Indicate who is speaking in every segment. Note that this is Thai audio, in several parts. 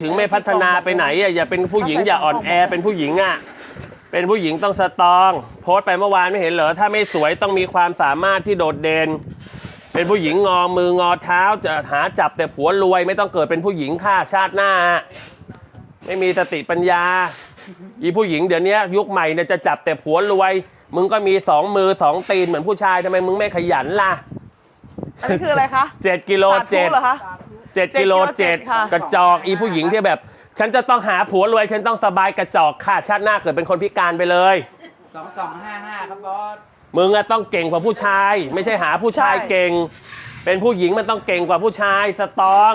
Speaker 1: ถึงไม่พัฒนาไปไหนอย่าเป็นผู้หญิงอย่าอ่อนแอเป็นผู้หญิงเป็นผู้หญิงต้องสตรองโพสต์ไปเมื่อวานไม่เห็นเหรอถ้าไม่สวยต้องมีความสามารถที่โดดเด่นเป็นผู้หญิงงอมืองอเท้าจะหาจับแต่ผัวรวยไม่ต้องเกิดเป็นผู้หญิงฆ่าชาติหน้าไม่มีสติปัญญาอีผู้หญิงเดี๋ยวนี้ยุคใหม่เนี่ยจะจับแต่ผัวรวยมึงก็มี2 มือ 2 ตีนเหมือนผู้ชายทำไมมึงไม่ขยันล่ะ
Speaker 2: อันนี้คืออะไรคะ
Speaker 1: 7 กิโล 7 กิโล 7กระจอกอีผู้หญิงที่แบบฉันจะต้องหาผัวรวยฉันต้องสบายกระจอกค่ะชาติหน้าเกิดเป็นคนพิการไปเลย
Speaker 3: 2255ครับบอส
Speaker 1: มึงต้องเก่งกว่าผู้ชายไม่ใช่หาผู้ชายเก่งเป็นผู้หญิงมันต้องเก่งกว่าผู้ชายสตรอง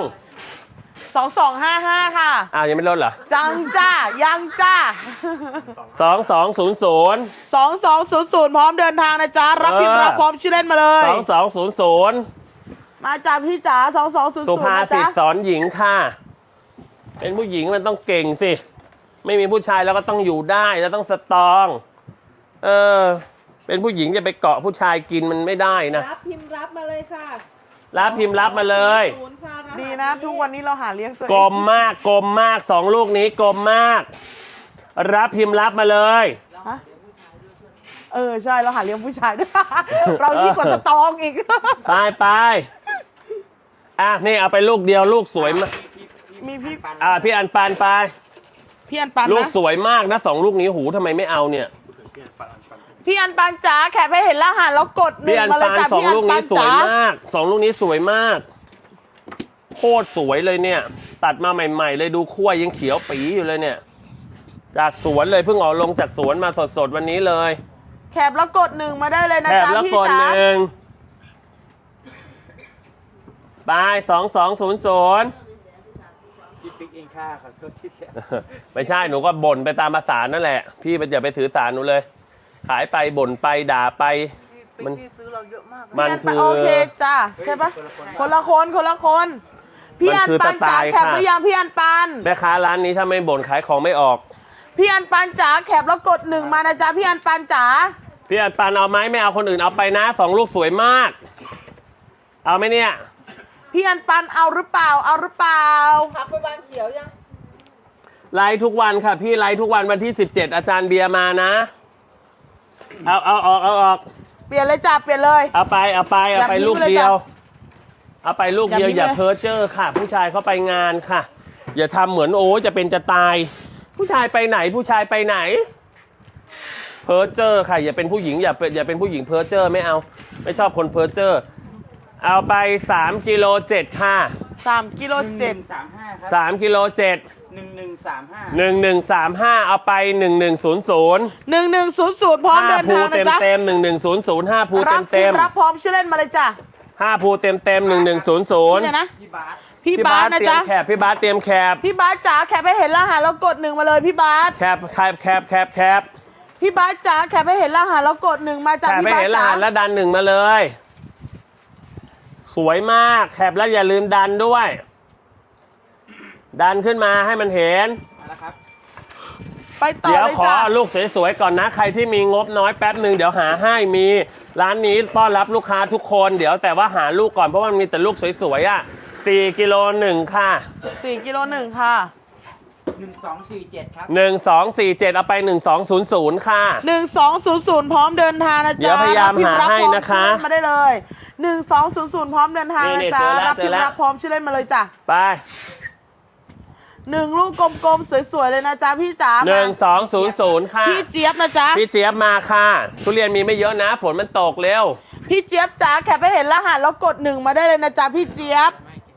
Speaker 2: 2255ค่ะ
Speaker 1: ยังไม่ลดเหรอ
Speaker 2: จังจ้ายังจ้า
Speaker 1: 2200
Speaker 2: 2200พร้อมเดินทางนะจ๊ะรับพิมพ์รับพร้อมชื่อเล่นมาเลย
Speaker 1: 2200
Speaker 2: มาจากพี่จ๋า2200
Speaker 1: สุภาษิตสอนหญิงค่ะเป็นผู้หญิงมันต้องเก่งสิไม่มีผู้ชายแล้วก็ต้องอยู่ได้แล้วต้องสตรองเป็นผู้หญิงจะไปเกาะผู้ชายกินมันไม่ได้นะ
Speaker 4: รับพิมพ์รับมาเลยค่ะ
Speaker 1: รับพิมพ์รับมาเลย
Speaker 2: ดีนะทุกวันนี้เราหาเลี้ยงตัวเอง
Speaker 1: กลมมาก2 ลูกนี้กลมมากรับพิมพ์รับมาเลย
Speaker 2: ใช่เราหาเลี้ยงผู้ชายด้วยเรายิ่งกว่าสตองอีก
Speaker 1: ไปนี่เอาไปลูกเดียวลูกสวยมาก
Speaker 2: มี
Speaker 1: พี่อันปานไป
Speaker 2: พี่อันปาน
Speaker 1: ลูกสวยมากนะ2 ลูกนี้หูทำไมไม่เอาเนี่ย
Speaker 2: พี่อันปานจ๋าแคปให้เห็นรหัสแล้วกด1มาเลยจ้ะพี่อันปานจ๋า
Speaker 1: 2 ลูกนี้สวยมากโคตรสวยเลยเนี่ยตัดมาใหม่ๆเลยดูขั้วยังเขียวปีอยู่เลยเนี่ยจากสวนเลยเพิ่งออกลงจากสวนมาสดๆวันนี้เลย
Speaker 2: แคปแล้วกด1มาได้เลยนะจ๊ะพี่จ๋า
Speaker 1: ไป2200
Speaker 3: พี่ปิ๊กเองค่ะขอโทษที่
Speaker 1: ไม่ใช่หนูก็บ่นไปตามภาษานั่นแหละพี่มันอย่าไปถือสารหนูเลยขายไปบ่นไปด่าไป
Speaker 2: มันซื้อเราเยอะมากมันคือโอเคจ้าใช่ปะคนละคนพี่อันปานจ๋าแคปหรือยังพี่อันปาน
Speaker 1: แม่ค้าร้านนี้ถ้าไม่บ่นขายของไม่ออก
Speaker 2: พี่อันปานจ๋าแคปแล้วกด1มานะจ๊ะพี่อันปานจ๋า
Speaker 1: พี่อันปานเอาไหมไม่เอาคนอื่นเอาไปนะ2 ลูกสวยมากเอาไหมเนี่ย
Speaker 2: พี่อันปันเอาหรือเปล่า
Speaker 4: พักไปบ้านเขียวยัง
Speaker 1: ไลฟ์ทุกวันค่ะพี่ไลฟ์ทุกวันวันที่17อาจารย์เบียร์มานะเอาออก
Speaker 2: เปลี่ยนเลยจ้ะเปลี่ยนเลย
Speaker 1: เอาไปลูกเดียวเอาไปลูกเดียวอย่าเพ้อเจ้อค่ะผู้ชายเขาไปงานค่ะอย่าทำเหมือนโอ้จะเป็นจะตายผู้ชายไปไหนเพ้อเจ้อค่ะอย่าเป็นผู้หญิงอย่าเป็นผู้หญิงเพ้อเจ้อไม่เอาไม่ชอบคนเพ้อเจ้อเอาไป3 กิโล 7ค่ะ
Speaker 2: 3 กิโล
Speaker 3: 735
Speaker 1: 3 กิโล 7 1135เอาไป1100
Speaker 2: พร้อมเดินทางนะจ๊ะ
Speaker 1: เต็ม1100 5 ภูเต็ม
Speaker 2: รับพร้อมชื่อเล่นมาเลยจ้ะ
Speaker 1: 5 ภูเต็ม1100
Speaker 2: นี่นะ
Speaker 1: พี่บาสนะจ๊ะพี่บาสเตรียมแคป
Speaker 2: พี่บาสจ๋าแคปให้เห็นรหัสแล้วกด1มาเลยพี่บาส
Speaker 1: แคป
Speaker 2: พี่บาสจ๋าแคปให้เห็นรหัสแล้วกด1มาจากพี่บาสจ๋า
Speaker 1: แคปให้เห็นรหัสแล้วดัน1มาเลยสวยมากแคปแล้วอย่าลืมดันด้วยดันขึ้นมาให้มันเห็น
Speaker 2: ไปต่อเลยจ้ะ
Speaker 1: เดี๋ยวขอลูกสวยๆก่อนนะใครที่มีงบน้อยแป๊บหนึ่งเดี๋ยวหาให้มีร้านนี้ต้อนรับลูกค้าทุกคนเดี๋ยวแต่ว่าหาลูกก่อนเพราะว่ามันมีแต่ลูกสวยๆ4 กิโล 1ค่ะ
Speaker 2: 4 กิโล 1ค่ะ
Speaker 3: 1247ครับ
Speaker 1: 1247เอาไป1200ค่ะ
Speaker 2: 1200พร้อมเดินทางนะจ๊ะ
Speaker 1: เดี๋ยวพยายามหาให้นะคะ
Speaker 2: มาได้เลย1200พร้อมเดินทางนะจ๊ะรับพิมพ์รับพร้อมชื่อเล่นมาเลยจ้ะ
Speaker 1: ไป
Speaker 2: 1 ลูกกลมๆสวยๆเลยนะจ๊ะพี่จ๋า
Speaker 1: 1200ค่ะ
Speaker 2: พี่เจี๊ยบนะจ๊ะ
Speaker 1: พี่เจี๊ยบมาค่ะทุเรียนมีไม่เยอะนะฝนมันตกเร็ว
Speaker 2: พี่เจี๊ยบจ๋าแคปให้เห็นรหัสแล้วกด1มาได้เลยนะจ๊ะพี่เจี๊ยบ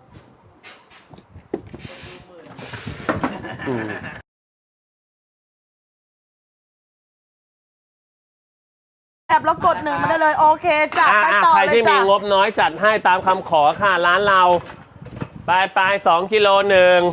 Speaker 2: แอบแล้วกด1มาได้เลยโอเคจ้ะไปต่อเลยจ้ะ
Speaker 1: ใครที่มีงบน้อยจัดให้ตามคำขอค่ะร้านเราไป2 กิโล 1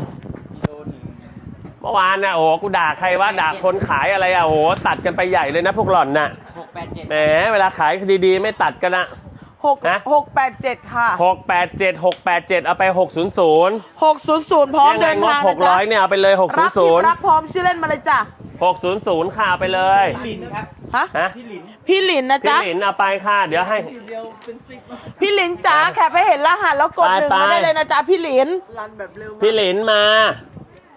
Speaker 1: เมื่อวานน่ะโอ้โหกูด่าใครว่าด่าคนขายอะไรอ่ะโอ้โหตัดกันไปใหญ่เลยนะพวกหล่อนน่ะ
Speaker 3: 687
Speaker 1: แหมเวลาขายดีๆไม่ตัดกันนะ
Speaker 2: 687ค่ะ
Speaker 1: 687เอาไป600
Speaker 2: พร้อมเดินทางนะจ๊ะ
Speaker 1: 600เนี่ยเอาไปเลย600
Speaker 2: รับพร้อมชื่อเล่นมาเลยจ้ะ
Speaker 1: 600ค่ะไปเลย
Speaker 3: พี่หลินครับ
Speaker 2: พี่หลินนะจ๊ะ
Speaker 1: พี่หลินเอาไปค่ะเดี๋ยวให้
Speaker 2: พี่หลินจ๋าแคปให้เห็นรหัสแล้วกด1มาได้เลยนะจ๊ะพี่หลิน
Speaker 1: พี่หลินมา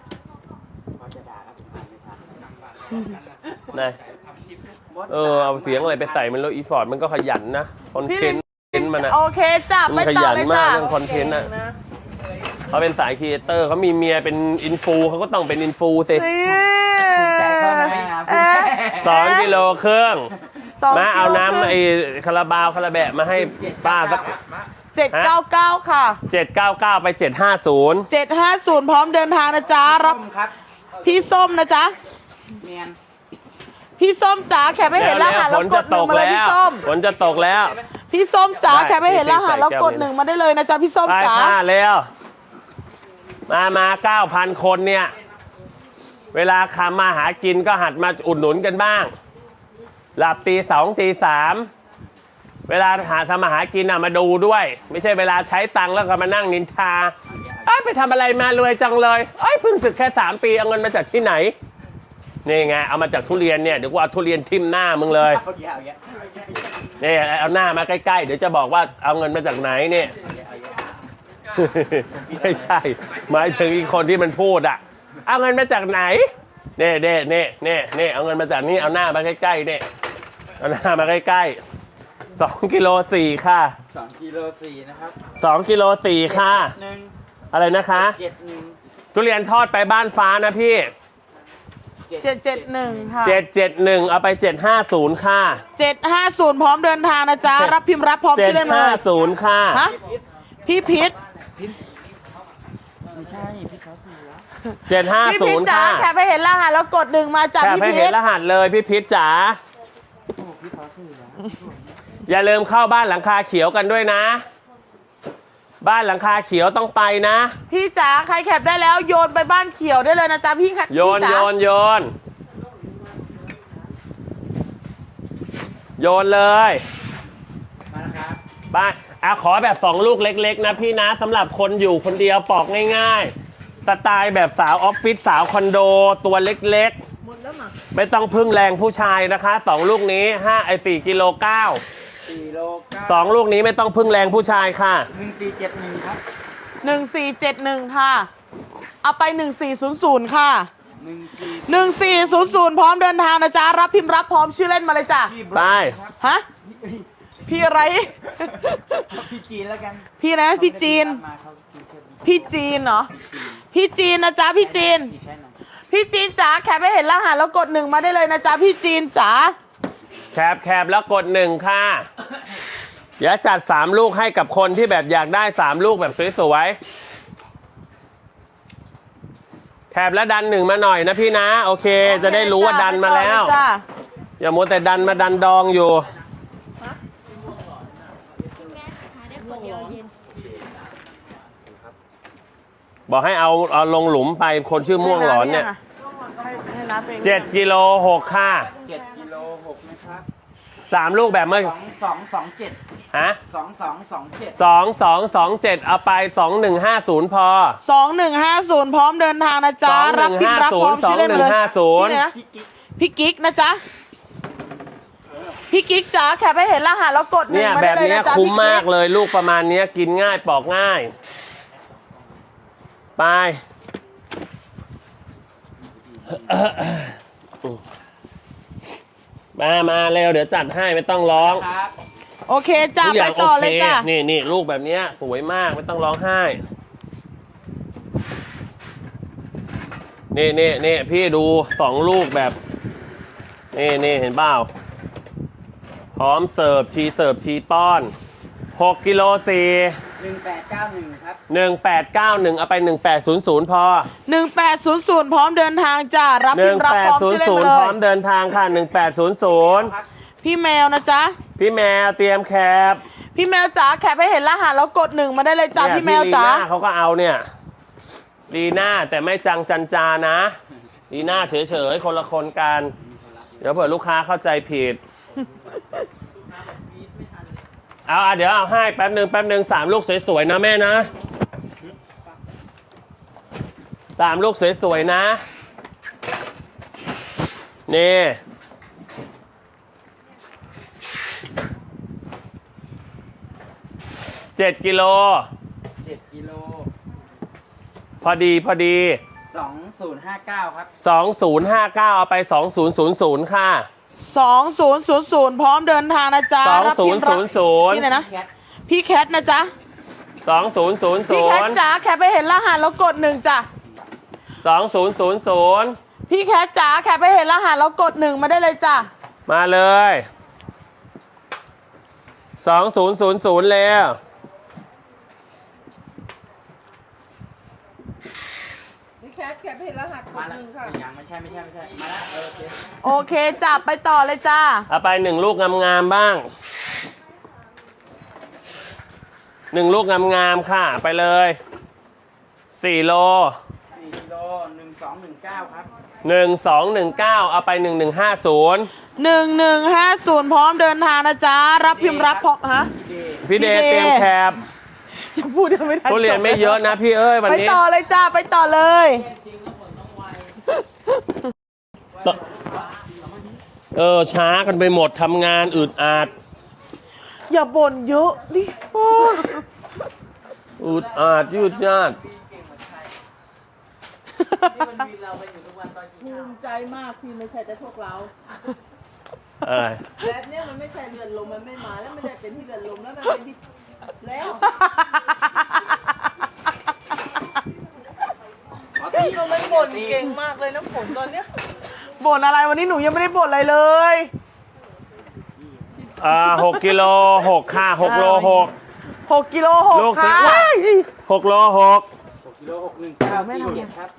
Speaker 1: นะเอาเสียงอะไรไปใส่มันแล้วอีฟอร์ดมันก็ขยันนะคอนเทนต์มันนะ
Speaker 2: โอเคจ้ะ
Speaker 1: มั
Speaker 2: ไป
Speaker 1: นข
Speaker 2: ต่อ
Speaker 1: ยัน
Speaker 2: เลย
Speaker 1: มา
Speaker 2: จ้ะ
Speaker 1: กเรื่องคอนเทนต์น่ะเขาเป็นสายครีเอเตอร์เขามีเมียเป็นอินฟูเขาก็ต้องเป็นอินฟูสิ
Speaker 2: นี่
Speaker 3: ใจเข้าไหมครับ
Speaker 1: 2 กิโลครึ่ง
Speaker 2: สอง
Speaker 1: มาเอา
Speaker 2: กิโล
Speaker 1: น้ำไอ้คาราบาวคาราแบะมาให้ป้าสัก
Speaker 2: 799ค่ะ
Speaker 1: 799 ไป 750
Speaker 2: 750 พร้อมเดินทางนะจ๊ะรับ
Speaker 3: ครับ
Speaker 2: พี่ส้มนะจ๊ะ
Speaker 3: เมียน
Speaker 2: พี่ส้มจ๋าแคปไม่เห็นรหัส
Speaker 1: ฝ
Speaker 2: แล้ว
Speaker 1: น
Speaker 2: ก
Speaker 1: จะ
Speaker 2: ดห
Speaker 1: ต
Speaker 2: นึ่ง
Speaker 1: ก
Speaker 2: มาเลย
Speaker 1: แล้
Speaker 2: พี่
Speaker 1: ว
Speaker 2: ส้ม
Speaker 1: ฝนจะตกแล้ว
Speaker 2: พี่ส้มจ๋า
Speaker 1: ได้
Speaker 2: แคปไม่เห็นรหัสแล้วกด
Speaker 1: ใส่
Speaker 2: หนึ่งมาได้เลยนะจ๊ะพี่ส้ม
Speaker 1: ไป
Speaker 2: จ๋า
Speaker 1: ค่ะเร็วมา 9,000 คนเนี่ย เวลาคำมาหากินก็หัดมาอุดหนุนกันบ้าง หลับตี 2 ตี 3 เวลาทำมาหากินมาดูด้วย ไม่ใช่เวลาใช้ตังค์แล้วก็มานั่งนินทาไปทำอะไรมารวยจังเลยเพิ่งศึกแค่ 3 ปีเอาเงินมาจากที่ไหน นี่ไงเอามาจากทุเรียนเนี่ยเดี๋ยวกูเอาทุเรียนทิ่มหน้ามึงเลย
Speaker 3: เอาเยอะ
Speaker 1: นี่เอาหน้ามาใกล้ๆเดี๋ยวจะบอกว่าเอาเงินมาจากไหนเนี่ย ไม่ใช่หมายถึงอีกคนที่มันพูดเอาเงินมาจากไหนเน่เอาเงินมาจากนี่เอาหน้ามาใกล้ๆเนี่ยเอาหน้ามาใกล้ๆ2 กิโล 4ค่ะ
Speaker 3: 2 กิโล 4 นะครับ
Speaker 1: 2 กิโล 4ค่ะ
Speaker 3: 1
Speaker 1: อะไรนะคะ
Speaker 3: 71
Speaker 1: ทุเรียนทอดไปบ้านฟ้านะพี่
Speaker 2: 771ค่ะ
Speaker 1: 771เอาไป750ค่ะ
Speaker 2: 750 พร้อมเดินทางนะจ๊ะรับพิมพ์รับพร้อมชื่อเล่นมาเลย
Speaker 1: 750ค่ะ
Speaker 2: ฮะพี่พิษ
Speaker 3: ไม่ใช่ พี่เขาเสือ
Speaker 2: พี่พิษ
Speaker 1: 750
Speaker 2: จ๋า
Speaker 1: ค่ะ
Speaker 2: แคปไปเห็นรหัสแล้วกดหนึ่งมาจาก
Speaker 1: แค่
Speaker 2: พี่
Speaker 1: ไม่
Speaker 2: พิ
Speaker 1: เห็น
Speaker 2: ษ
Speaker 1: รหัสเลยพี่พิษจ๋า
Speaker 3: พี่เขาเสือ
Speaker 1: อย่าลืมเข้าบ้านหลังคาเขียวกันด้วยนะ บ้านหลังคาเขียวต้องไปนะ
Speaker 2: พี่จ๋าใครแคปได้แล้วโยนไปบ้านเขียวได้เลยนะจ๊ะพี่
Speaker 1: โยน
Speaker 2: พี่
Speaker 1: โย
Speaker 2: จ๋าน
Speaker 1: โยนโยนเลย
Speaker 3: มาแล้วครับ
Speaker 1: บ้านขอแบบ2 ลูกเล็กๆนะพี่นะสำหรับคนอยู่คนเดียวปอกง่ายๆสไตล์แบบสาวออฟฟิศสาวคอนโดตัวเล็ก
Speaker 4: หมดแล้วมั้ง
Speaker 1: ๆ ไม่ต้องพึ่งแรงผู้ชายนะคะ2 ลูกนี้4 กิโล 9
Speaker 3: 4 โล 9
Speaker 1: 2 ลูกนี้ไม่ต้องพึ่งแรงผู้ชายค่ะ
Speaker 3: 1471 ครับ
Speaker 2: 1471 ค่ะ เอาไป 1400 ค่ะ
Speaker 3: 14
Speaker 2: 1400 พร้อมเดินทางนะจ๊ะรับพิมพ์รับพร้อมชื่อเล่นมาเลยจ้ะ
Speaker 3: พี่
Speaker 1: ไป
Speaker 3: ครับ
Speaker 2: ฮะพี่อะไร
Speaker 3: พี่จีนแล้วกัน
Speaker 2: พี่นะพี่จีน
Speaker 3: มาเขากินแค่
Speaker 2: พี่จีนเหรอพี่จีนนะจ๊ะพี่จีน
Speaker 3: พี่ใช่ไหม
Speaker 2: พี่จีนจ๋าแคปไม่เห็นรหัสแล้วกดหนึ่งมาได้เลยนะจ๊ะพี่จีนจ๋า
Speaker 1: แคบแล้วกด1ค่ะเดี๋ยวจัด3 ลูกให้กับคนที่แบบอยากได้3 ลูกแบบสวยๆแคบแล้วดัน1มาหน่อยนะพี่นะ โอเค จะได้รู้ว่าดันมาแล้ว
Speaker 2: จ้ะ
Speaker 1: อย่ามัวแต่ดันมาดันดองอยู่ บอกให้เอาลงหลุมไปคนชื่อม่วงหลอนเนี่ย
Speaker 2: ให้นับเอง
Speaker 1: 7 กิโล 6 ค่ะ
Speaker 3: 7 กิโล 6 นะครับ
Speaker 1: 3 ลูกแบบเมื่อ
Speaker 3: 2227
Speaker 1: ฮะ
Speaker 3: 2227
Speaker 1: 2227 เอาไป 2150 พอ
Speaker 2: 2150 พร้อมเดินทางนะจ๊ะรับพิมพ์รับพร้อมชื่อเล่นมาเลย
Speaker 1: 2150
Speaker 2: นี่นะ
Speaker 3: พี่กิ๊ก
Speaker 2: พี่กิ๊กนะจ๊ะพี่กิ๊กจ๋าแคปให้เห็นรหัสแล้วกดหนึ่ง
Speaker 1: เนี่ย
Speaker 2: มา
Speaker 1: แบ
Speaker 2: ได้
Speaker 1: บ
Speaker 2: เลย
Speaker 1: เนี้ย
Speaker 2: นะจ๊ะ
Speaker 1: คุ้ม
Speaker 2: พี่
Speaker 1: มา
Speaker 2: กิ๊
Speaker 1: ก
Speaker 2: ก
Speaker 1: เลยลูกประมาณเนี้ยกินง่ายปอกง่าย ไป มาเร็วเดี๋ยวจัดให้ไม่ต้องร้อง
Speaker 3: ครับ
Speaker 2: โอเคจ้ะ
Speaker 1: ทุกอ
Speaker 2: ไป
Speaker 1: ย่าง
Speaker 2: ต่อ
Speaker 1: โอ
Speaker 2: เล
Speaker 1: เค
Speaker 2: ยจ้ะ
Speaker 1: นี่ลูกแบบเนี้ยสวยมากไม่ต้องร้องไห้ นี่พี่ดู2 ลูกแบบ นี่เห็นเปล่าพร้อมเสิร์ฟชีป้อน6 กิโล 4
Speaker 3: 1891 ครับ
Speaker 1: 1891 เอาไป 1800 พอ
Speaker 2: 1800 พร้อมเดินทางจ้ะรับพิมพ์รับพร้อมชื่อเล่นมา
Speaker 1: 1800
Speaker 2: เล
Speaker 1: พร้อย มเดินทางค่ะ 1800
Speaker 2: พี่แมวนะจ๊ะ
Speaker 1: พี่แมวเตรียมแคป
Speaker 2: พี่แมวจ๋าแคปให้เห็นรหัสแล้วกดหนึ่งมาได้เลยจ้ะ
Speaker 1: เนี่ย
Speaker 2: พี่แมวจ๋า
Speaker 1: ลีน่เขาก็เอาเนี่ยลีน่าแต่ไม่จันจานะลีน่าเฉยๆคนละคนกัน เดี๋ยวเผื่อลูกค้าเข้าใจผิด เดี๋ยวเอาให้แป๊บหนึ่ง3 ลูกสวยๆนะแม่นะ3 ลูกสวยๆนะนี่7 กิโล
Speaker 3: 7 กิโล
Speaker 1: พอดี
Speaker 3: 2 2059 ครับ
Speaker 1: 2059เอาไป2000ค่ะ
Speaker 2: 2000พร้อมเดินทางนะจ๊ะรับพิมพ์รับพี่ไหนนะ
Speaker 3: แคท
Speaker 2: พี่แคทนะจ๊ะพี่แคท
Speaker 1: 2000
Speaker 2: จ๋าแคปไปเห็นรหัสแล้วกด1จ้ะ
Speaker 1: 2000
Speaker 2: พี่แคทจ๋าแคปไปเห็นรหัสแล้วกด1มาได้เลยจ้ะ
Speaker 1: มาเลย2000แล้ว
Speaker 4: นี่แคทแคปให้รหัสก
Speaker 3: มา
Speaker 4: ด
Speaker 3: แล้
Speaker 4: ห
Speaker 3: ว
Speaker 4: นึ่งค่ะ
Speaker 3: ยังไม่ใช่มาแล้วโอเค
Speaker 2: โอเคจ้ะไปต่อเลยจ้า
Speaker 1: เอาไป1ลูกงามๆบ้าง1ลูกงามๆค่ะไปเลย4โล
Speaker 3: 4กิโล1219 ครับ
Speaker 1: 1219เอาไป1150
Speaker 2: 1150พร้อมเดินทางนะจ๊ะรับพิมพ์รับพร้อมฮะ
Speaker 1: พี่เด
Speaker 2: พี่เด
Speaker 1: เตรียมแคบ
Speaker 2: อย่าพูดยังไม่ทัน
Speaker 1: ทุเรียนไม่เยอะนะพี่เอ้ยวัน
Speaker 2: ไป
Speaker 1: นี้
Speaker 2: ต่อเลยจ้าไปต่อเลย
Speaker 1: ช้ากันไปหมดทำงานอึดอัด
Speaker 2: อย่าบ่นเยอะดิ
Speaker 1: อึดอัดยืดยาด
Speaker 4: ภูมิใจมากพี่ไม่ใช่แต่พวกเรา
Speaker 1: อะไร
Speaker 4: แบบเนี้ยมันไม่ใช่เรือนลมมันไม่มาแล้วไม่ได้เป็นที่เรือนลมแล้วมันเป็นที่แล้วพี่ก็ไม่บ่นเก่งมากเลยนะฝนตอนเนี้ย
Speaker 2: บ่นอะไรวันนี้หนูยังไม่ได้บ่นอะไรเลย
Speaker 1: 6กิโล6ค่ะ6โล6
Speaker 2: 6กิโล
Speaker 1: ลูก
Speaker 2: 6ค่ะ
Speaker 1: 6โล6
Speaker 3: 6กิโล1947 ครับ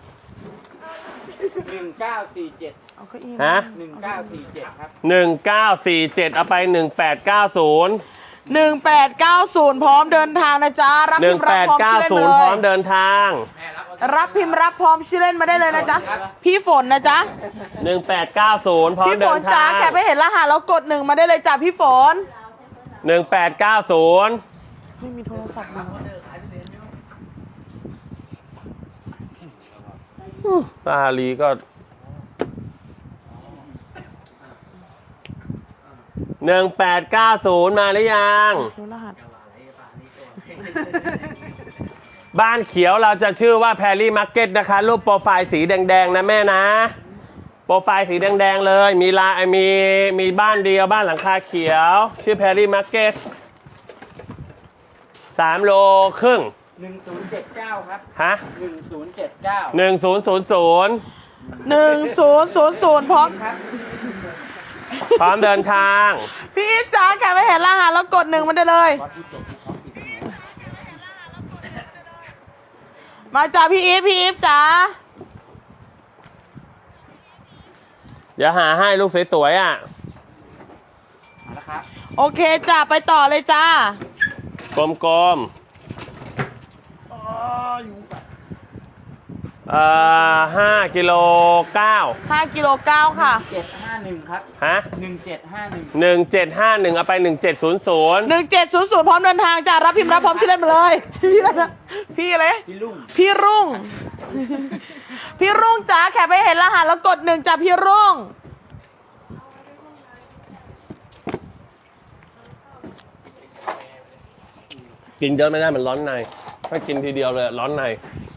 Speaker 3: 1947
Speaker 2: เอาเก้าอี้
Speaker 1: ฮะ
Speaker 3: 1947 ครับ
Speaker 1: 1947เอาไป1890
Speaker 2: 1890พร้อมเดินทางนะจ๊ะรับพิมพ์รับพร้อมชื่อเล่นมา
Speaker 1: 1890
Speaker 2: เล
Speaker 1: พร้อย มเดินทาง
Speaker 2: รับพิมพ์รับพร้อมชื่อเล่นมาได้เลยนะจ๊ะพี่ฝนนะจ๊ะ
Speaker 1: 1890 พร้อม
Speaker 2: พี่ฝ
Speaker 1: เดิ
Speaker 2: น
Speaker 1: น
Speaker 2: จ๋า
Speaker 1: ทาง
Speaker 2: แคปให้เห็นรหัสแล้วกด1มาได้เลยจ้ะพี่ฝน
Speaker 1: 1890
Speaker 2: ไม่มีโทรศัพท์เลย
Speaker 1: ตาลีก็1890มาหรือยัง
Speaker 2: ดูรหัส
Speaker 1: บ้านเขียวเราจะชื่อว่าแพรรี่มาร์เก็ตนะคะ รูปโปรไฟล์สีแดงๆนะแม่นะ โปรไฟล์สีแดงๆเลย มีบ้านเดียวบ้านหลังคาเขียว ชื่อแพรรี่มาร์เก็ต3โลครึ่ง
Speaker 3: 1079 ครับ
Speaker 1: ฮะ
Speaker 3: 1079
Speaker 1: 1000
Speaker 2: 1000พร้อม
Speaker 3: ครับ
Speaker 1: พร้อมเดินทาง
Speaker 2: พี่อีฟจ๋าแคปให้เห็นรหัสแล้วกด1มาได้เลย มาจ้ะพี่อีฟจ๋า
Speaker 1: เดี๋ยวหาให้ลูกสวยๆอ่ะ
Speaker 3: มาแล้วครับ
Speaker 2: โอเคจ้ะไปต่อเลยจ้าก
Speaker 1: ลมๆ5กิโล9
Speaker 2: 5กิโล9ค่ะ
Speaker 3: 751 ครับ
Speaker 1: ฮะ
Speaker 3: 1751
Speaker 1: 1751เอาไป1700
Speaker 2: 1700พร้อมเดินทางจ้ะรับพิมพ์รับพร้อมชื่อเล่นมาเลยพี่อะไรนะพี่อะไร
Speaker 3: พี่ลุง
Speaker 2: พี่รุ่ง พี่รุ่งจ๋าแคปไปเห็นรหัสแล้วกด1จ้ะพี่รุ่ง
Speaker 1: กินเยอะไม่ได้มันร้อนในถ้ากินทีเดียวเลยร้อนใน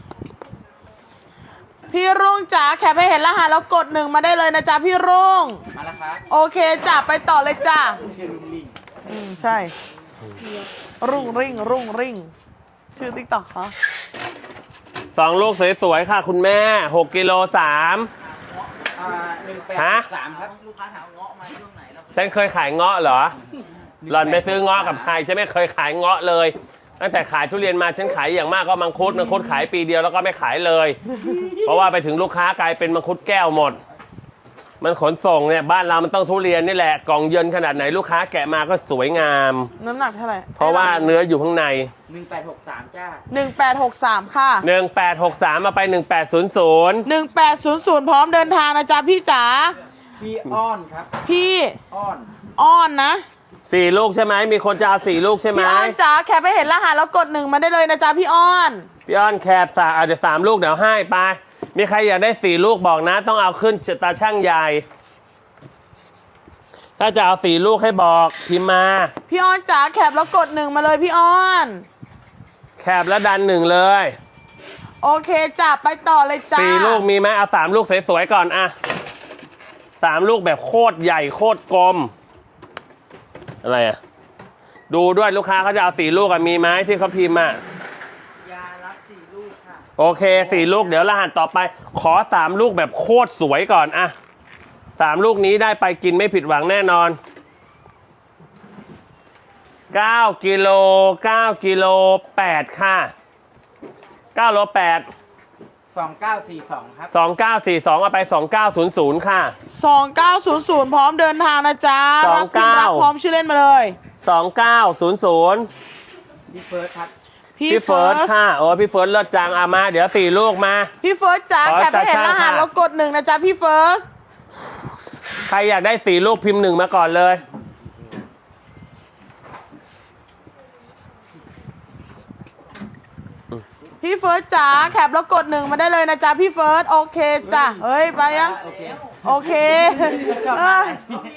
Speaker 2: พี่รุ่งจ๋าแคปไปเห็นรหัสแล้วกด1มาได้เลยนะจ๊ะพี่รุ่ง
Speaker 3: มาแล้วครับ
Speaker 2: โอเคจ้ะไปต่อเลยจ้ะ
Speaker 3: พี่ลุงลิง
Speaker 2: ใช่ รุ่งริ่งชื่อติ๊กต็อกเขา
Speaker 1: 2ลูกสวยๆค่ะคุณแม่6กิโล3 ฮะ
Speaker 3: 1863 ครับ ลูกค้าถามเงาะมาช่วงไหนแล้ว
Speaker 1: ฉันเคยขายเงาะเหรอ หล่อนไปซื้อเงาะกับใครฉันไม่เคยขายเงาะเลย ตั้งแต่ขายทุเรียนมาฉันขายอย่างมากก็มังคุดขายปีเดียวแล้วก็ไม่ขายเลย เพราะว่าไปถึงลูกค้ากลายเป็นมังคุดแก้วหมด มันขนส่งเนี่ยบ้านเรามันต้องทุเรียนนี่แหละกล่องเยินขนาดไหนลูกค้าแกะมาก็สวยงาม
Speaker 2: น้ำหนักเท่าไหร่
Speaker 1: เพราะว่าเนื้ออยู่ข้างใน
Speaker 3: 1863 จ้า
Speaker 2: 1863ค่ะ
Speaker 1: 1863มาไป1800
Speaker 2: 1800พร้อมเดินทางนะจ๊ะพี่จ๋า
Speaker 3: พี่อ้อนครับ
Speaker 2: พี่
Speaker 3: อ้อน
Speaker 2: อ้อนนะ
Speaker 1: 4 ลูกใช่ไหมมีคนจะเอา4 ลูกใช่ไหม
Speaker 2: พี่อ้อนจ๋าแคปไปเห็นรหัสแล้วกด1มาได้เลยนะจ๊ะพี่อ้อน
Speaker 1: พี่อ้อนแคบเดี๋ยว3 ลูกเดี๋ยวให้ไปมีใครอยากได้4 ลูกบอกนะ ต้องเอาขึ้นตาช่างใหญ่ ถ้าจะเอา4 ลูกให้บอกพิมพ์มา
Speaker 2: พี่อ้อนจ๋าแคปแล้วกด1มาเลยพี่อ้อน
Speaker 1: แคบแล้วดัน1เลย
Speaker 2: โอเคจ้ะไปต่อเลยจ้า
Speaker 1: 4 ลูกมีไหมเอา3 ลูกสวยๆก่อนอะ3 ลูกแบบโคตรใหญ่โคตรกลมอะไรอะดูด้วยลูกค้าเขาจะเอา4 ลูกอะมีไหมที่เขาพิมพ์อะ
Speaker 3: ยารับ4 ลูกค่ะ
Speaker 1: โอเค4 ลูกเดี๋ยวรหัสต่อไป ขอ3 ลูกแบบโคตรสวยก่อนอะ3 ลูกนี้ได้ไปกินไม่ผิดหวังแน่นอน9 กิโล9 กิโล8ค่ะ9 โล 8
Speaker 3: 2942 ครับ
Speaker 1: 2942เอาไป2900ค่ะ
Speaker 2: 2900พร้อมเดินทางนะจ๊ะ
Speaker 1: 29
Speaker 2: รับพิมพ์รับพร้อมชื่อเล่นมาเลย
Speaker 1: 2900
Speaker 3: พี่เฟิร์สครับ
Speaker 1: พี่เฟิร์สค่ะโอ้พี่เฟิร์สเลิศจังเอามาเดี๋ยว4 ลูกมา
Speaker 2: พี่เฟิร์สจ๋า
Speaker 1: ขอ
Speaker 2: แคปให้เห็นรหัส
Speaker 1: ค่ะ
Speaker 2: แล้วกด1นะจ๊ะพี่เฟิร์ส
Speaker 1: ใครอยากได้4 ลูกพิมพ์1มาก่อนเลย
Speaker 2: พี่เฟิร์สจ๋าแคปแล้วกด1มาได้เลยนะจ๊ะพี่เฟิร์สโอเคจ้ะเฮ้ยไปยัง
Speaker 3: โอเค
Speaker 2: โอเค
Speaker 3: ชอบมา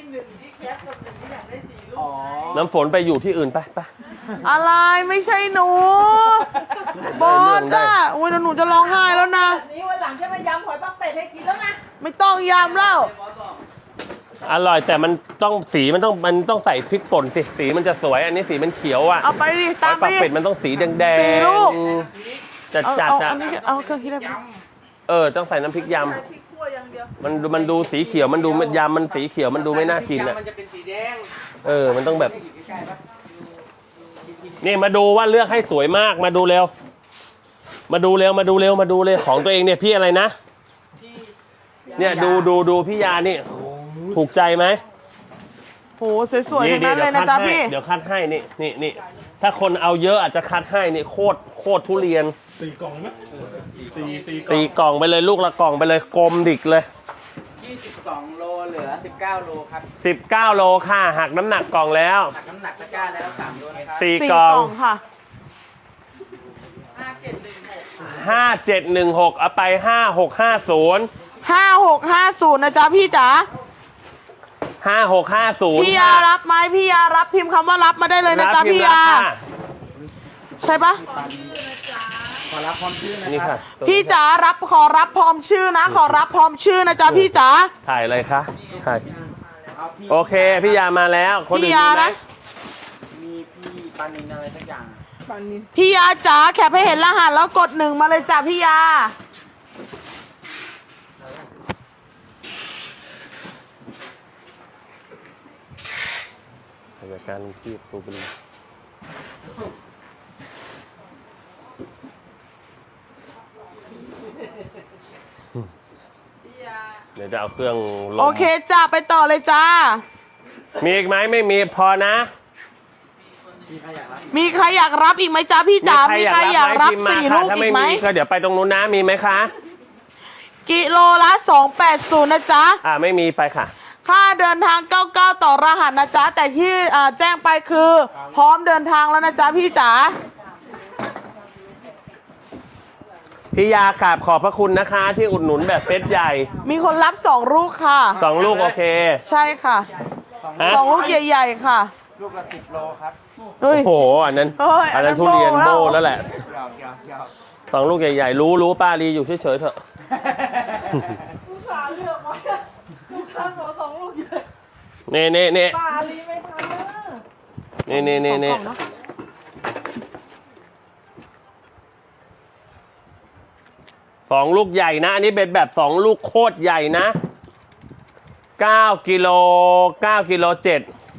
Speaker 3: อ๋อ
Speaker 1: น้ำฝนไปอยู่ที่อื่นไปไป
Speaker 2: อะไรไม่ใช่หนูบอสอ่ะอุ้ยเดี๋ยวหนูจะร้องไห้แล้วนะ
Speaker 4: นี้วันหลังจะมายำหอยปักเป็ดให้กินแล้วนะ
Speaker 2: ไม่ต้องยำแล้ว
Speaker 1: อร่อยแต่มันต้องสีมันต้องใส่พริกป่นสิสีมันจะสวยอันนี้สีมันเขียวอ่ะ
Speaker 2: เอาไปดิ
Speaker 1: ห
Speaker 2: ตา
Speaker 1: อ
Speaker 2: ม
Speaker 1: ย
Speaker 2: ไป
Speaker 1: ปัก
Speaker 2: ดิ
Speaker 1: เป็ดมันต้องสีแดง
Speaker 2: 4 ลูก
Speaker 1: จัด
Speaker 2: เอา
Speaker 1: จัด
Speaker 2: เอา
Speaker 1: อ่ะ
Speaker 2: อันนี้เอาเครื่องคิดอะไรไป
Speaker 1: ต้องใส่น้ำพริกย
Speaker 4: ใส่พริกขั่วอย่างเดียว
Speaker 1: ำมันดูสีเขียวมันดูยำมันสีเขียวมันดูไม่น่ากินอ่ะ
Speaker 3: มันจะเป็นสีแดง
Speaker 1: มันต้องแบบ
Speaker 3: อยู่ใกล้ๆปะ
Speaker 1: นี่มาดูว่าเลือกให้สวยมากมาดูเร็ว มาดูเร็วของตัวเองเนี่ยพี่อะไรนะ เนี่ยดูพี่ยานี่ถูกใจไหม
Speaker 2: โหสวยๆทั้งนั้นเลยนะจ๊ะพี่
Speaker 1: เดี๋ยวคัดให้นี่ถ้าคนเอาเยอะอาจจะคัดให้นี่โคตรทุเรียน
Speaker 5: ตีกล่องไหมตี
Speaker 1: ตีกล่องไปเลยลูกละกล่องไปเลยกลมดิกเลย
Speaker 3: 22 โลเหลือ 19 โลครับ
Speaker 1: 19 โลค่ะหักน้ำหนักกล่องแล้ว
Speaker 3: หักน้ำหนักตะกร้าแล้ว3 โลนะครับ
Speaker 1: 4
Speaker 2: 4
Speaker 1: กล่อง
Speaker 2: ค่ะ
Speaker 1: 5716เอาไป5650
Speaker 2: 5650นะจ๊ะพี่จ๋า
Speaker 1: 5650
Speaker 2: พี่ยารับไหมพี่ยารับพิมพ์คำว่ารับมาได้เลยนะจ๊ะพี่ยา ใช่ปะ
Speaker 3: ขอรับพร้อมชื่อนะ
Speaker 1: นี่
Speaker 3: ครั
Speaker 1: ค่ะ
Speaker 3: บ
Speaker 2: พี่จ๋ารับขอรับพร้อมชื่อนะ ขอรับพร้อมชื่อนะจ๊ะพี่จ๋า
Speaker 1: ถ่ายอะไรคะถ่าย
Speaker 3: เอาพี่
Speaker 1: โอเคพี่ยามาแล้วคนอื่น
Speaker 2: พี่ยา
Speaker 1: มีไหม
Speaker 2: นะ
Speaker 3: มีพี่ปานินอะไรสักอย่าง
Speaker 2: พี่ยาจ๋าแคปให้เห็นรหัสแล้วกด1มาเลยจ้ะพี่ยา
Speaker 1: รายการที่ตูเป็นเดี๋ยวจะเอาเครื่องลง
Speaker 2: โอเคจ้ะไปต่อเลยจ้า
Speaker 1: มีอีกไหมไม่มีพอนะ
Speaker 2: มีใครอยากรับอีกไหมจ๊ะพี่จ๋ามีใครอยากรับ
Speaker 1: พิมพ์มา
Speaker 2: 4
Speaker 1: ค่ะ
Speaker 2: ลูก
Speaker 1: ถ้า
Speaker 2: อี
Speaker 1: ไม่
Speaker 2: กไหม
Speaker 1: มีก็เดี๋ยวไปตรงนู้นนะมีไหมคะ
Speaker 2: กิโลละ280นะจ๊ะ
Speaker 1: ไม่มีไปค่ะ
Speaker 2: ค่าเดินทาง 99 ต่อรหัสนะจ๊ะ แต่ที่แจ้งไปคือ พร้อมเดินทางแล้วนะจ๊ะพี่จ๋า
Speaker 1: พี่ยากราบขอบพระคุณนะคะ ที่อุดหนุนแบบเซตใหญ่
Speaker 2: มีคนรับ2 ลูกค่ะ
Speaker 1: 2 ลูกโอเค
Speaker 2: ใช่ค่ะ
Speaker 1: ฮะ
Speaker 2: 2 ลูกใหญ่ๆค่ะ
Speaker 3: ลูกละ10 โลครับ
Speaker 2: เฮ้
Speaker 1: โอ้
Speaker 2: ย
Speaker 1: โหอันนั้น
Speaker 2: เฮ้ย
Speaker 1: อันนั้น
Speaker 2: อันนั้น
Speaker 1: ทุเรียน
Speaker 2: โบ้
Speaker 1: โบ
Speaker 2: แล้ว
Speaker 1: แล้วแหละ
Speaker 3: หยอก
Speaker 1: 2 ลูกใหญ่ๆรู้ป้าลีอยู่เฉยๆเถอะ
Speaker 4: ลูกค้าเลือกไว้ลูกค้าขอ2 ลูกใหญ่
Speaker 1: นี่
Speaker 4: ปลาลีไม่ทันนะ
Speaker 1: นี่
Speaker 2: 2 กล่องเนอะ
Speaker 1: 2 ลูกใหญ่นะ อันนี้เป็นแบบ 2 ลูกโคตรใหญ่นะ9 กิโล9 กิโล 7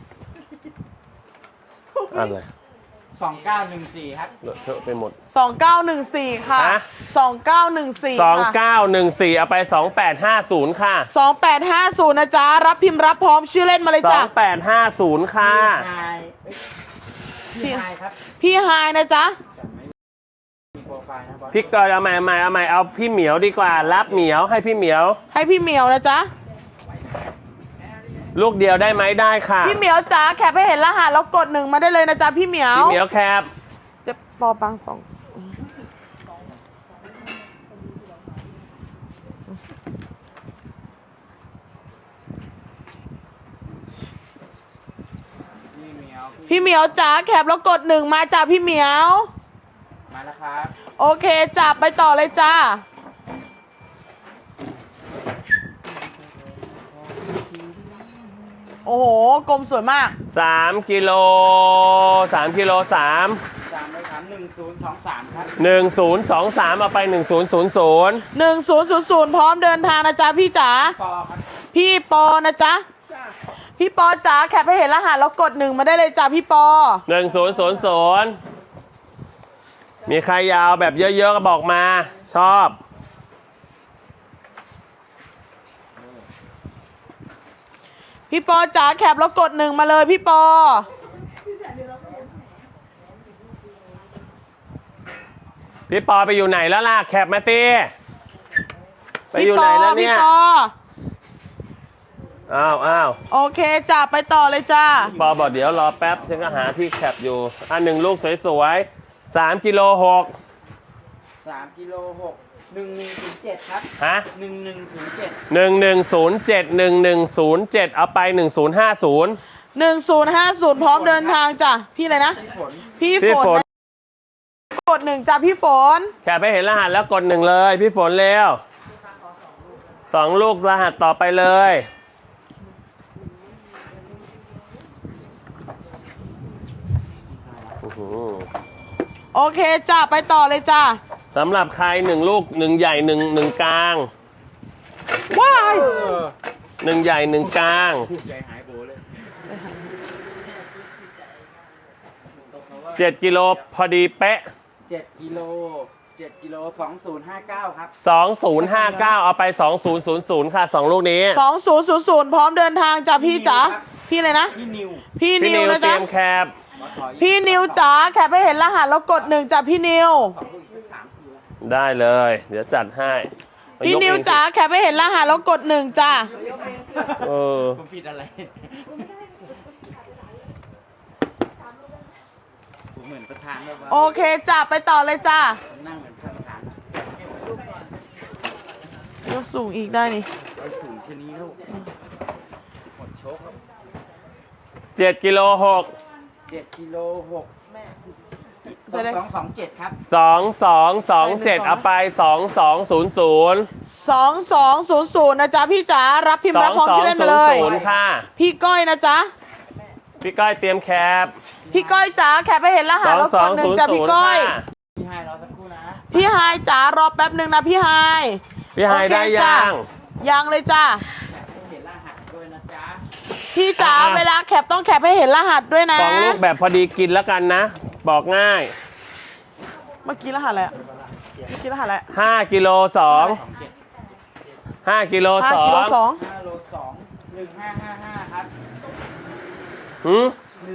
Speaker 1: อะไร
Speaker 3: 2914 ครับ
Speaker 1: เลอะเทอะไปหมด
Speaker 2: 2914 ค่ะ
Speaker 1: ฮะ
Speaker 2: 2914 ค่ะ
Speaker 1: 2914เอาไป2850ค่ะ
Speaker 2: 2850 นะจ๊ะ รับพิมพ์รับพร้อมชื่อเล่นมาเลยจ้ะ
Speaker 1: 2850ค่ะ
Speaker 3: พี่ไฮครับ
Speaker 2: พี่ไฮายนะจ๊ะ
Speaker 3: มีโปรไฟล์นะบอส
Speaker 1: พี่กอยเอาใหม่เอาพี่เหมียวดีกว่า รับเหมียวให้พี่เหมียว
Speaker 2: ให้พี่เหมียวนะจ๊ะ
Speaker 1: ลูกเดียวได้ไหมได้ค่ะ
Speaker 2: พี่เหมียวจ๋าแคปให้เห็นรหัสแล้วกด1มาได้เลยนะจ๊ะพี่เหมียว
Speaker 1: พี่เหมียวแคป
Speaker 2: จะปอปัง2
Speaker 3: พี่เหมียว
Speaker 2: พี่เหมียวจ๋าแคปแล้วกด1มาจ้ะพี่เหมียว
Speaker 3: มาแล้วครับ
Speaker 2: โอเคจ้ะไปต่อเลยจ้าโอ้โหกลมสวยมาก
Speaker 1: 3 กิโล 3 กิโล 3
Speaker 3: 3เลยครับ1023 ครับ
Speaker 1: 1023 เอาไป 1000
Speaker 2: 1000พร้อมเดินทางนะจ๊ะพี่จ๋า
Speaker 3: ปอครับ
Speaker 2: พี่ปอนะจ๊ะพี่ปอจ๋าแคปให้เห็นรหัสแล้วกด1มาได้เลยจ้ะพี่ปอ
Speaker 1: 1000 มีใครยาวแบบเยอะๆก็บอกมาชอบ
Speaker 2: พี่ปอจ๋าแคปแล้วกด1มาเลยพี่ปอ
Speaker 1: พี่ปอไปอยู่ไหนแล้วล่ะแคปมาตีไปอยู่
Speaker 2: พี่ป
Speaker 1: ไหน
Speaker 2: อ
Speaker 1: แล้ว
Speaker 2: พี่
Speaker 1: เนี่ย
Speaker 2: ปอ
Speaker 1: อ้าว
Speaker 2: โอเคจ้ะไปต่อเลยจ้า
Speaker 1: ปอบอกเดี๋ยวรอแป๊บฉันก็หาที่แคปอยู่หนึ่งลูกสวยๆ3 กิโล 6
Speaker 3: 3กิโล6 1107 ครับ
Speaker 1: ฮะ
Speaker 3: 1107
Speaker 1: 1107 เอาไป 1050
Speaker 2: 1050พร้อมเดินทางจ้ะพี่อะไรนะ
Speaker 3: พี่ฝน
Speaker 2: พี่
Speaker 1: พี่
Speaker 2: ฝ
Speaker 1: ฝ
Speaker 2: น
Speaker 1: น
Speaker 2: กด1จ้ะพี่ฝน
Speaker 1: แค่ไปเห็นรหัสแล้วกด1เลยพี่ฝนเร็ว2 ลูกรหัสต่อไปเลยอื้อหือ
Speaker 2: โอเคจ้ะไปต่อเลยจ้ะ
Speaker 1: สำหรับใคร1 ลูก 1 ใหญ่1 กลางว้าย1 ใหญ่ 1 กลาง
Speaker 3: ใจหายโบเลย
Speaker 1: 7 กิโลพอดีเป๊ะ
Speaker 3: 7กิโล2059 ครับ
Speaker 1: 2059 เอาไป 2000 ค่ะ 2 ลูกนี้
Speaker 2: 2000พร้อมเดินทางจ้ะพี่จ๋าพี่เลยนะ
Speaker 3: พี่นิว
Speaker 2: พี่
Speaker 1: พี่
Speaker 2: นิ
Speaker 1: นิ
Speaker 2: ว
Speaker 1: ว
Speaker 2: นะ
Speaker 1: เตรี
Speaker 2: จ๊ะ
Speaker 1: ยมแคป
Speaker 2: พี่นิวจ๋าแคปให้เห็นรหัสแล้วกด1จ้ะพี่นิว
Speaker 1: ได้เลย เดี๋ยวจัดให้
Speaker 2: พี่นิวจ๋าแคปให้เห็นรหัสแล้วกด1จ้ะ
Speaker 1: เออ
Speaker 3: ผมผิดอะไร ผมเหมือนประธานแบบว่า
Speaker 2: โอเคจ้ะไปต่อเลยจ้ะ
Speaker 3: นั่งเหมือนประธาน
Speaker 2: ยกสูงอีกได้นี่
Speaker 3: ไปถึงชนี้ลูกหมดโชคครับ
Speaker 1: 7 กิโล 6
Speaker 3: 7กิโล6
Speaker 2: ไปเลย
Speaker 3: 2227 ครับ
Speaker 1: 2227 เอาไป 2200
Speaker 2: 2200นะจ๊ะพี่จ๋ารับพิมพ์รับพร้อมชื่อเล่นมาเลย
Speaker 1: 2200 ค่ะ
Speaker 2: พี่ก้อยนะจ๊ะ
Speaker 1: พี่ก้อยเตรียมแคป
Speaker 2: พี่ก้อยจ๋าแคปให้เห็นรหัสแล้วกด1จ้ะพี่ก้อย
Speaker 1: ค่ะ
Speaker 3: พี่ไฮรอสักครู่นะ
Speaker 2: พี่ไฮายจ๋ารอแป๊บหนึ่งนะพี่ไฮาย
Speaker 1: พี่ไฮ
Speaker 2: โอเค
Speaker 1: ได้
Speaker 2: จ้ะ
Speaker 1: ยัง
Speaker 2: ยังเลยจ้ะ
Speaker 3: เห็นรหัสด้วยนะจ๊ะ
Speaker 2: พี่จ๋าเวลาแคปต้องแคปให้เห็นรหัสด้วยนะ
Speaker 1: 2 ลูกแบบพอดีกินแล้วกันนะ บอกง่าย
Speaker 2: เมื่อกี้รหัสอะไรอะเมื่อกี้รหัสอะไรอะ
Speaker 1: 5 กิโล 2 5 กิโล
Speaker 2: 5กิโล
Speaker 1: 2
Speaker 2: 2
Speaker 3: 5โล2 1555 ครับ
Speaker 1: หืม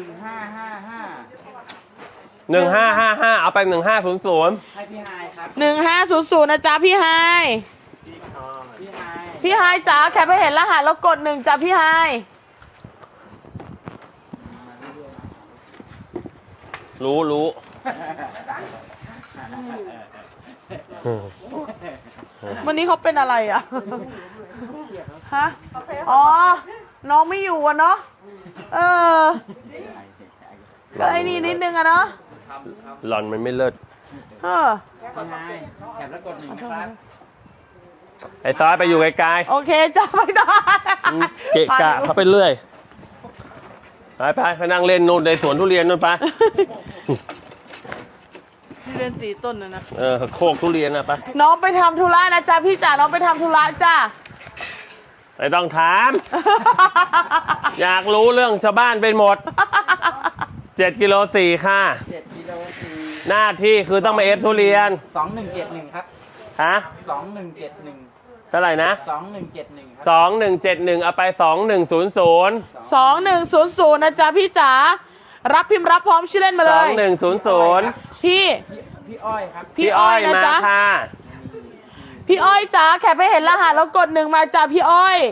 Speaker 3: 1555
Speaker 1: 1555 เอาไป 1500
Speaker 3: ให้พี่ไฮครับ
Speaker 2: 1500นะจ๊ะพี่ไฮาย
Speaker 3: พี่ไฮ
Speaker 2: พี่ไฮายจ๋าแคปให้เห็นรหัสแล้วกด1จ้ะพี่ไฮาย
Speaker 1: รู้
Speaker 2: วันนี้เขาเป็นอะไรอะฮะอ๋อน้องไม่อยู่อะเนาะเออก็ไอ้นี่นิดนึงอะเนาะ
Speaker 1: หล่อนมันไม่เลิศ
Speaker 2: เออ
Speaker 3: พี่ไฮแคปแล้วกด1นะครับ
Speaker 1: ไอ้ซอยไปอยู่ไกล
Speaker 2: โอเคจ้ะไม่ได้
Speaker 1: ๆเกะกะเขาไปเรื่อย ไปนั่งเล่นนู่นในสวนทุเรียนนู่นไป
Speaker 2: ที่เรียนสีต้นนะ
Speaker 1: โคกทุเรียนนะไป
Speaker 2: น้องไปทำธุระนะจ๊ะพี่จ๋าน้องไปทำธุระจ้ะ
Speaker 1: ไม่ต้องถาม อยากรู้เรื่องชาวบ้านเป็นหมด 7 กิโล 4 ค่ะ
Speaker 3: 7กิโล4
Speaker 1: หน้าที่คือต้องมาเอฟทุเรียน
Speaker 3: 2171 ครับ
Speaker 1: ฮะ
Speaker 3: 2171
Speaker 1: เท่าไหร่นะ
Speaker 3: 2171 ครับ
Speaker 1: 2171 เอาไป 2100
Speaker 2: 2100นะจ๊ะพี่จ๋ารับพิมพ์รับพร้อมชื่อเล่นมาเลย
Speaker 1: 2100
Speaker 2: พี่
Speaker 3: พี่อ้อยครับ
Speaker 2: พี่อ้อยนะ
Speaker 1: มา
Speaker 2: จ๊ะ
Speaker 1: ค่ะ
Speaker 2: พี่อ้อยจ๋าแคปให้เห็นรหัสแล้วกด1มาจ้ะพี่อ้อย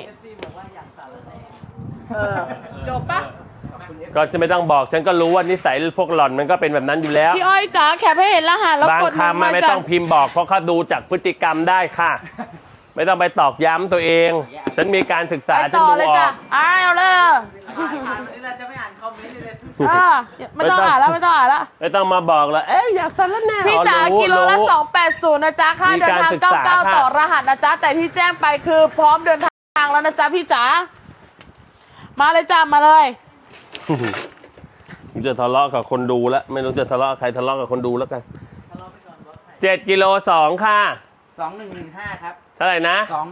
Speaker 2: จบปะ
Speaker 1: ก็จะไม่ต้องบอกฉันก็รู้ว่านิสัยพวกหล่อนมันก็เป็นแบบนั้นอยู่แล้ว
Speaker 2: พี่อ้อยจ๋าแคปให้เห็นรหัสแล้ว
Speaker 1: บาง
Speaker 2: กด1
Speaker 1: คำมั
Speaker 2: มาน
Speaker 1: ไม่
Speaker 2: จ้ะ
Speaker 1: ต้องพิมพ์บอกเพราะเขาดูจากพฤติกรรมได้ค่ะ ไม่ต้องไปตอกย้ำตัวเอง ฉันมีการศึกษา
Speaker 2: ไป
Speaker 1: ฉัน
Speaker 2: ต่อ
Speaker 1: ดู
Speaker 2: เลย
Speaker 1: ออ
Speaker 2: จ้ะ
Speaker 1: ก
Speaker 2: เอาเลย
Speaker 4: นี่เราจะไม่อ่านคอมเมนต์เลย
Speaker 2: ไม่ต้องอ่านแล้วไม่ต้องอ่านแล้ว
Speaker 1: ไม่ต้องมาบอกแล้วเอ๊ะอยากสารแหน่
Speaker 2: พี่จ๋า
Speaker 1: รู้
Speaker 2: กิโลละ
Speaker 1: รู้
Speaker 2: 280นะจ๊ะค่า
Speaker 1: มี
Speaker 2: เดิน
Speaker 1: การ
Speaker 2: ทาง
Speaker 1: ศึกษาค่ะ
Speaker 2: 99ต่อรหัสนะจ๊ะแต่ที่แจ้งไปคือพร้อมเดินทางแล้วนะจ๊ะพี่จ๋ามาเลยจ้ามาเลย
Speaker 1: ผมจะทะเลาะกับคนดูแล้วไม่รู้จะทะเลาะกับใครทะเลาะกับคนดูแล้วกัน7 กิโล 2ค่ะ
Speaker 3: 2115 ครับ
Speaker 1: เท่าไหร่นะ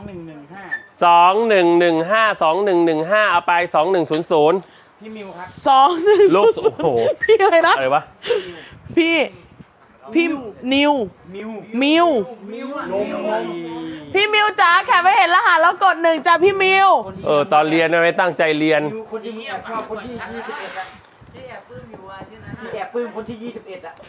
Speaker 3: 2115
Speaker 1: 2115เอาไป 2100
Speaker 3: พี่มิวครับ
Speaker 2: 2 1
Speaker 1: ลูกโอ้โห
Speaker 2: พี่อะไรนะ
Speaker 1: อะไรวะ
Speaker 2: พี่นิว
Speaker 3: มิว
Speaker 2: มิว
Speaker 3: ลง
Speaker 2: พี่มิวจ๋าแค่ไม่เห็นรหัสแล้วกด1จ้ะพี่มิว
Speaker 1: ตอนเรียนไม่ตั้งใจเรียน
Speaker 3: มิวคนที่มึงแอบชอบคนที่21อ่ะ
Speaker 4: ที่แอบปลื้มอยู่อ่ะชื่อนั้น
Speaker 3: พี่แอบปลื้มคนที่21อ่ะ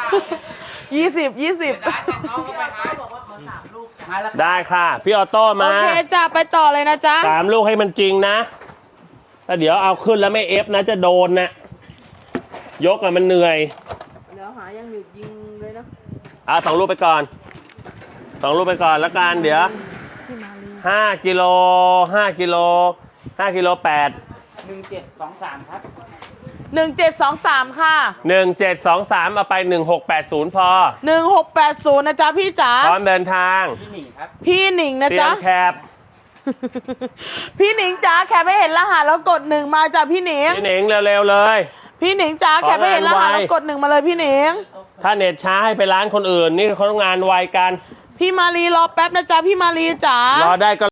Speaker 2: 20
Speaker 4: บอกว่าขอ3 ลูก
Speaker 3: มาแล้ว
Speaker 1: ได้ค่ะ พี่ออโต้
Speaker 2: โอ
Speaker 1: มา
Speaker 2: เคจ้ะไปต่อเลยนะจ๊ะ
Speaker 1: 3 ลูกให้มันจริงนะถ้าเดี๋ยวเอาขึ้นแล้วไม่เอฟนะจะโดนนะยกอะมันเหนื่อย
Speaker 4: เดี๋ยวหายังหยุดยิงเลยนะ
Speaker 1: เอา2 ลูกไปก่อน2 ลูกไปก่อนแล้วกันเดี๋ยว5 กิโล5 กิโล5 กิโล 8
Speaker 3: 1723 ครับ
Speaker 2: 1723ค่ะ
Speaker 1: 1723เอาไป1680พอ
Speaker 2: 1680นะจ๊ะพี่จ๋า
Speaker 1: พร้อมเดินทาง
Speaker 3: พี่หนิงครับ
Speaker 2: พี่หนิงนะ
Speaker 1: เตรีย
Speaker 2: จ๊ะ
Speaker 1: มแคบ
Speaker 2: พี่หนิงจ๋าแค่ไม่เห็นรหัสแล้วกด1มาจ้ะพี่หนิง
Speaker 1: พี่หนิงเร็วๆเลย
Speaker 2: พี่หนิงจ๋าแค่ไม่เห็นรหัสแล้วกด1มาเลยพี่หนิง
Speaker 1: ถ้าเน็ตช้าให้ไปร้านคนอื่นนี่เขาต้องงานไวกัน
Speaker 2: พี่มารีรอแป๊บนะจ๊ะพี่มารีจ๋า
Speaker 1: รอได้ก็